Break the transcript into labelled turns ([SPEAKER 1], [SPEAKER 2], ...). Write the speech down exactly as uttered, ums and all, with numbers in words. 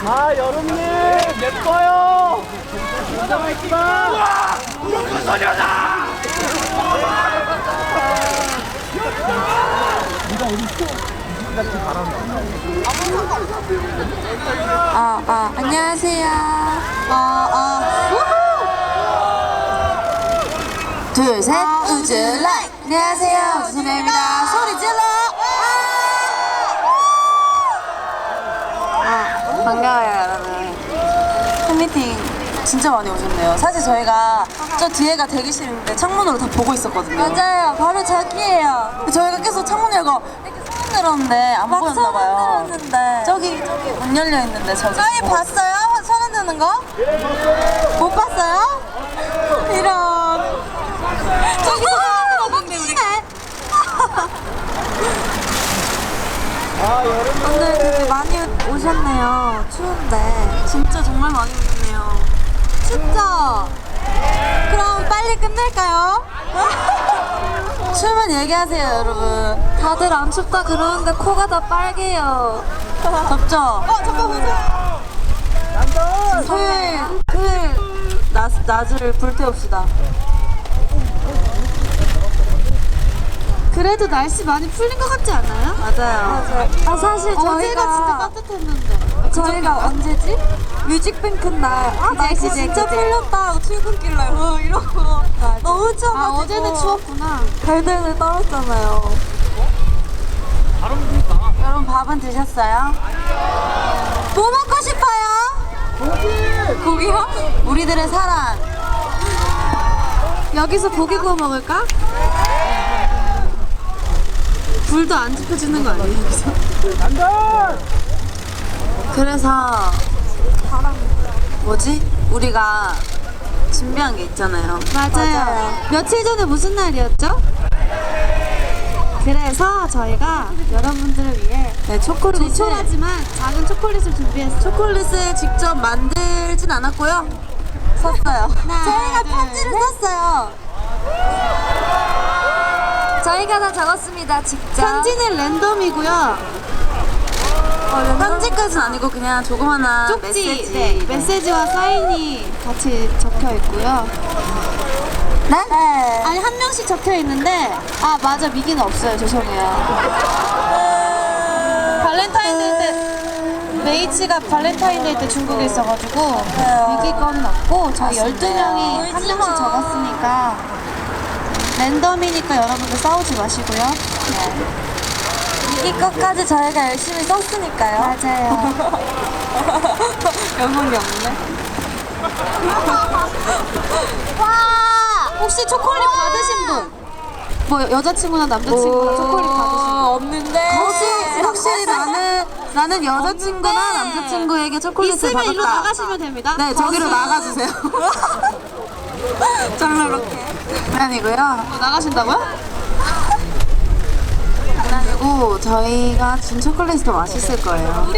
[SPEAKER 1] 아, 여름님 예뻐요. 진짜 예쁘다. 우와, 우와, 소녀다. 네가 어디 있어? 네가 지금 바란다.
[SPEAKER 2] 아, 아, 안녕하세요. 어, 어, 우후! 둘, 셋, 우주 라이! 안녕하세요, 우주 소녀입니다. 소리 질러! 아, 반가워요, 여러분. 팬미팅 진짜 많이 오셨네요. 사실 저희가 저 뒤에가 대기실인데 창문으로 다 보고 있었거든요. 맞아요, 바로 저기예요. 저희가 계속 창문 열고 이렇게 손 흔들었는데 안 보였나봐요. 저기, 저기 문 열려 있는데 저기. 저희 봤어요? 손 흔드는 거? 못 봤어요? 이런. 저기 너무 웃기네.
[SPEAKER 1] 아, 여름.
[SPEAKER 2] 오늘 되게 많이 오셨네요. 추운데. 진짜 정말 많이 오셨네요. 춥죠? 그럼 빨리 끝낼까요? 추우면 얘기하세요, 여러분. 다들 안 춥다 그러는데 코가 다 빨개요. 덥죠? 어, 잠깐 보세요.
[SPEAKER 1] 난전.
[SPEAKER 2] 토요일, 토요일 낮, 낮을 불태웁시다.
[SPEAKER 3] 그래도 날씨 많이 풀린 것 같지 않아요?
[SPEAKER 2] 맞아요.
[SPEAKER 3] 아 사실
[SPEAKER 2] 어제가
[SPEAKER 3] 저희가 진짜 따뜻했는데
[SPEAKER 2] 저희가 언제지? 뮤직뱅크 날 아, 날씨
[SPEAKER 3] 그제,
[SPEAKER 2] 진짜
[SPEAKER 3] 그제.
[SPEAKER 2] 풀렸다 출근길 날 어, 이러고 너무 추워가지고
[SPEAKER 3] 아 어제는 추웠구나.
[SPEAKER 2] 달달달 떨었잖아요. 여러분 밥은 드셨어요? 뭐 먹고 싶어요? 고기! 고기요? 우리들의 사랑.
[SPEAKER 3] 여기서 고기 구워 먹을까? 불도 안 지펴지는 거 아니에요 여기서?
[SPEAKER 1] 난전.
[SPEAKER 2] 그래서 뭐지? 우리가 준비한 게 있잖아요.
[SPEAKER 3] 맞아요. 며칠 전에 무슨 날이었죠? 그래서 저희가 여러분들을 위해
[SPEAKER 2] 네, 초콜릿을
[SPEAKER 3] 조촐하지만 작은 초콜릿을 준비했어요.
[SPEAKER 2] 초콜릿을 직접 만들진 않았고요. 샀어요. 저희가
[SPEAKER 3] 둘,
[SPEAKER 2] 편지를 썼어요. 저희가 다 적었습니다. 직접.
[SPEAKER 3] 편지는 랜덤이고요.
[SPEAKER 2] 편지까지는 아니고 그냥 조그마한
[SPEAKER 3] 쪽지,
[SPEAKER 2] 메시지.
[SPEAKER 3] 네, 메시지와 사인이 같이 적혀 있고요.
[SPEAKER 2] 네?
[SPEAKER 3] 아니 한 명씩 적혀 있는데 아 맞아 미기는 없어요. 죄송해요. 발렌타인데이 때 메이치가 발렌타인데이 때 중국에 있어가지고 미기 거는 없고 저희 열두 명이 한
[SPEAKER 2] 울지
[SPEAKER 3] 명씩
[SPEAKER 2] 마.
[SPEAKER 3] 적었으니까 랜덤이니까 여러분들 싸우지 마시고요.
[SPEAKER 2] 이 것까지 저희가 열심히 썼으니까요.
[SPEAKER 3] 맞아요.
[SPEAKER 2] 연봉이 없네.
[SPEAKER 3] 혹시 초콜릿 받으신 분? 뭐 여자친구나 남자친구나 초콜릿 받으신 분?
[SPEAKER 2] 없는데.
[SPEAKER 3] 혹시
[SPEAKER 2] 혹시 나는 나는 여자친구나
[SPEAKER 3] 없는데.
[SPEAKER 2] 남자친구에게 초콜릿을
[SPEAKER 3] 있으면
[SPEAKER 2] 받았다.
[SPEAKER 3] 일로 나가시면 됩니다.
[SPEAKER 2] 네, 저기로 나가주세요. 짤로렇게. 아니고요.
[SPEAKER 3] 나가신다고요?
[SPEAKER 2] 아니고 저희가 준 초콜릿이 더 맛있을 거예요.